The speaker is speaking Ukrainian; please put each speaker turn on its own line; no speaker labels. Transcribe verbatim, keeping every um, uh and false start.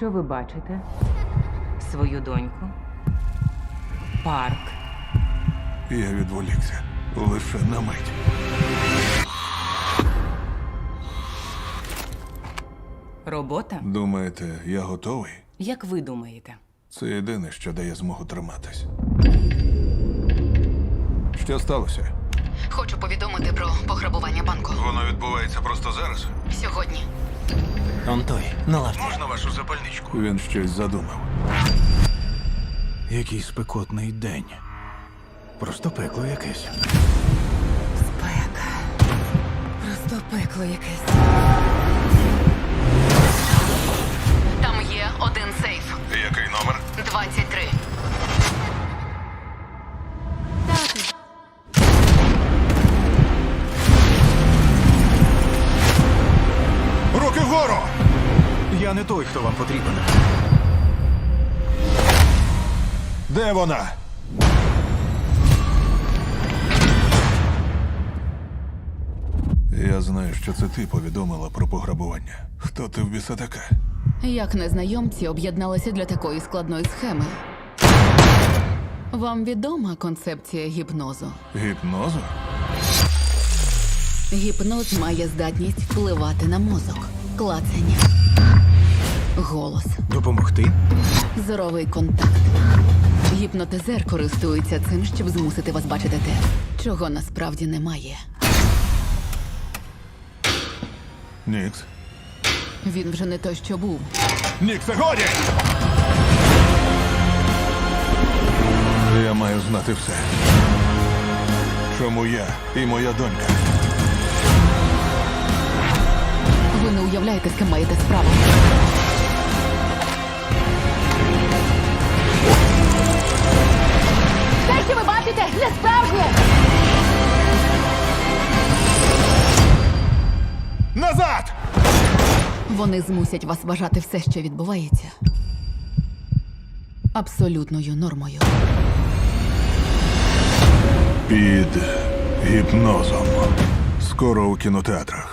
Що ви бачите? Свою доньку? Парк?
Я відволікся. Лише на мить.
Робота?
Думаєте, я готовий?
Як ви думаєте?
Це єдине, що дає змогу триматись. Що сталося?
Хочу повідомити про пограбування банку.
Воно відбувається просто зараз?
Сьогодні.
Он той, на лавці.
Можна вашу запальничку? Він щось задумав.
Який спекотний день. Просто пекло якесь.
Спека. Просто пекло якесь.
Там є один сейф.
Який номер?
двадцять три.
Руки вгору!
Я не той, хто вам потрібен.
Де вона? Я знаю, що це ти повідомила про пограбування. Хто ти в біса така?
Як незнайомці об'єдналися для такої складної схеми? Вам відома концепція гіпнозу?
Гіпнозу?
Гіпноз має здатність впливати на мозок, клацання, голос,
Допомогти?
зоровий контакт. Гіпнотизер користується цим, щоб змусити вас бачити те, чого насправді немає.
Нікс.
Він вже не той, що був.
Ніксе, годі! Я маю знати все. Чому я і моя донька?
Ви не уявляєте, з ким маєте справу. Те, що ви бачите, не справжнє!
Назад!
Вони змусять вас вважати все, що відбувається, абсолютною нормою.
Під гіпнозом. Скоро у кінотеатрах.